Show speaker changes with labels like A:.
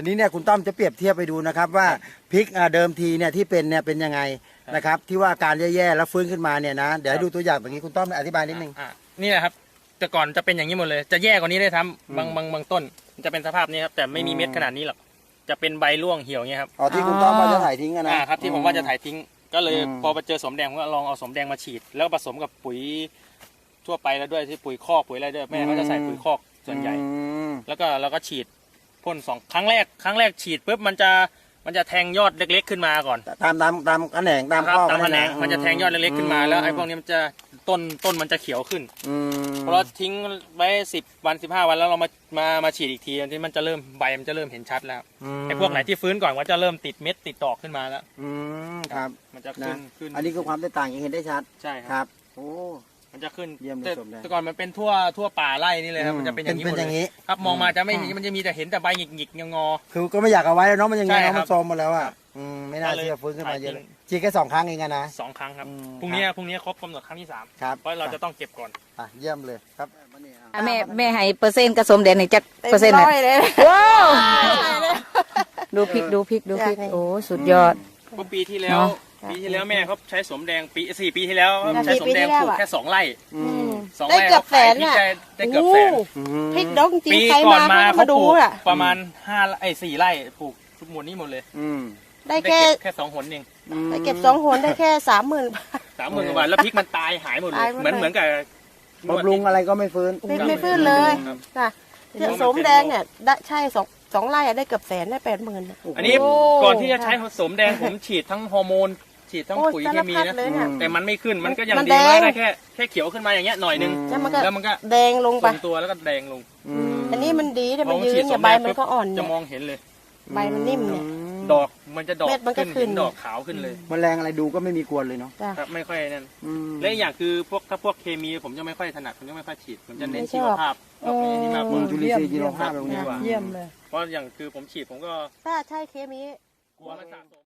A: ทีนี้เนี่ยคุณต้อมจะเปรียบเทียบไปดูนะครับว่าพริกเดิมทีเนี่ยที่เป็นเนี่ยเป็นยังไงนะครับที่ว่าการแย่ๆแล้วฟื้นขึ้นมาเนี่ยนะเดี๋ยวให้ดูตัวอย่างแบบนี้คุณต้อมอธิบายนิดนึง
B: นี่แหละครับแต่ก่อนจะเป็นอย่างนี้หมดเลยจะแย่กว่านี้ได้ทำบางต้นจะเป็นสภาพนี้ครับแต่ไม่มีเม็ดขนาดนี้หรอกจะเป็นใบร่วงเหี่ยวเงี้ยครับ
A: อ๋อที่คุณต้อมว่าจะถ่ายทิ้งกันนะครับ
B: ที่ผมว่าจะถ่ายทิ้งก็เลยพอไปเจอสมแดงผมก็ลองเอาสมแดงมาฉีดแล้วผสมกับปุ๋ยทั่วไปแล้วด้วยที่ปุ๋ยคอกปุ๋ยอะไรด้วยแม่เขาจะใส่ปุ๋ยคอกส่วนใหญ่แล้วก็เราก็ฉีดพ่น2 ครั้งแรกฉีดปุ๊บมันจะแทงยอดเล็กๆขึ้นมาก่อน
A: ตามแขนงตามข้อ
B: ตามแขนงมันจะแทงยอดเล็กๆขึ้นมาแล้วไอ้พวกนี้มันจะต้นมันจะเขียวขึ้นพอเราทิ้งไว้10 วัน15 วันแล้วเรามาฉีดอีกทีที่มันจะเริ่มใบมันจะเริ่มเห็นชัดแล้วไอ้พวกไหนที่ฟื้นก่อนก็จะเริ่มติดเม็ดติดดอกขึ้นมาแล้ว
A: ครับ
B: มันจะขึ้น
A: อันนี้คือความแตกต่างอย่างเห็นได้ชัด
B: ใช่
A: ครับโอ้
B: มันจะขึ้น
A: เยี่ยมเลย
B: แต่ก่อนมันเป็นทั่วป่าไร่นี่เลยครับมันจะเป็นอย่างนี้หมดเลยครับมองมาจะไม่มันจะมีแต่เห็นแต่ใบหงิกงอ
A: คือก็ไม่อยากเอาไว้แล้วเนาะมันยังไงมันโทรมหมดแล้วอ่ะไม่น่าเชื่อฟื้นขึ้นมาเยอะฉีดแค่2 ครั้งเองนะ
B: 2 ครั้งครับพรุ่งนี้ครบกำหนดครั้งที่3
A: ครับ
B: เพราะเราจะต้องเก็บก่อน
A: เยี่ยมเลยครับ
C: แม่ให้เปอร์เซ็นต์กระสมแดงในจักเปอร์เซ็นต์นะว้าวดูพริกโอ้สุดยอด
B: ก็ปีที่แล้วแม่เขาใช้สมแดง4 ปีที่แล้วใช้สมแดงปลูกแค่2 ไร่
D: ได้เกือบแสนอ่ะ
B: ได้เกือบแสน
D: พริกดองจริงใครมา
B: เขาปลูกประมาณ4 ไร่ปลูกทุกหมดนี้หมดเลย
D: ได้
B: แค่2 หนเอง
D: ได้เก็บ2 หนได้แค่30,000
B: กว่าบาทแล้วพริกมันตายหายหมดเลยเหมือนกับบ
A: ำรุงอะไรก็ไม่ฟื้น
D: ไม่ฟื้นเลยค่ะสมแดงเนี่ยได้ใช่2 ไร่ได้เกือบแสนได้80,000
B: อันนี้ก่อนที่จะใช้สมแดงผมฉีดทั้งฮอร์โมนฉีดทั้งปุ๋ยเคมีนะแต่มันไม่ขึ้นมันก็ยังดีได้แค่เขียวขึ้นมาอย่างเงี้ยหน่อยนึงแล้วมันก็
D: แดงลงไป
B: ตัวแล้วก็แดงลง
D: อันนี้มันดีแต่มันยืนเนี่ยใบมันก็อ่อน
B: จะมองเห็นเลย
D: ใบมันนิ่มเนี่ย
B: ดอกมันจะดอกขึ้นดอกขาวขึ้นเลย
A: แมลงอะไรดูก็ไม่มีกวนเลยเนาะ
B: ครับไม่ค่อยนั่นและอย่างคือถ้าพวกเคมีผมจะไม่ค่อยถนัดผมจะไม่ค่อยฉีดผมจะเน้นชีวภาพนี่มากกว่า
A: จุลินทรีย์ชีวภาพตรงนี้
B: เยี่ยมเลยเพราะอย่างคือผมฉีดผมก็
D: ถ้าใช่เคมี
B: กลัวมันสะสม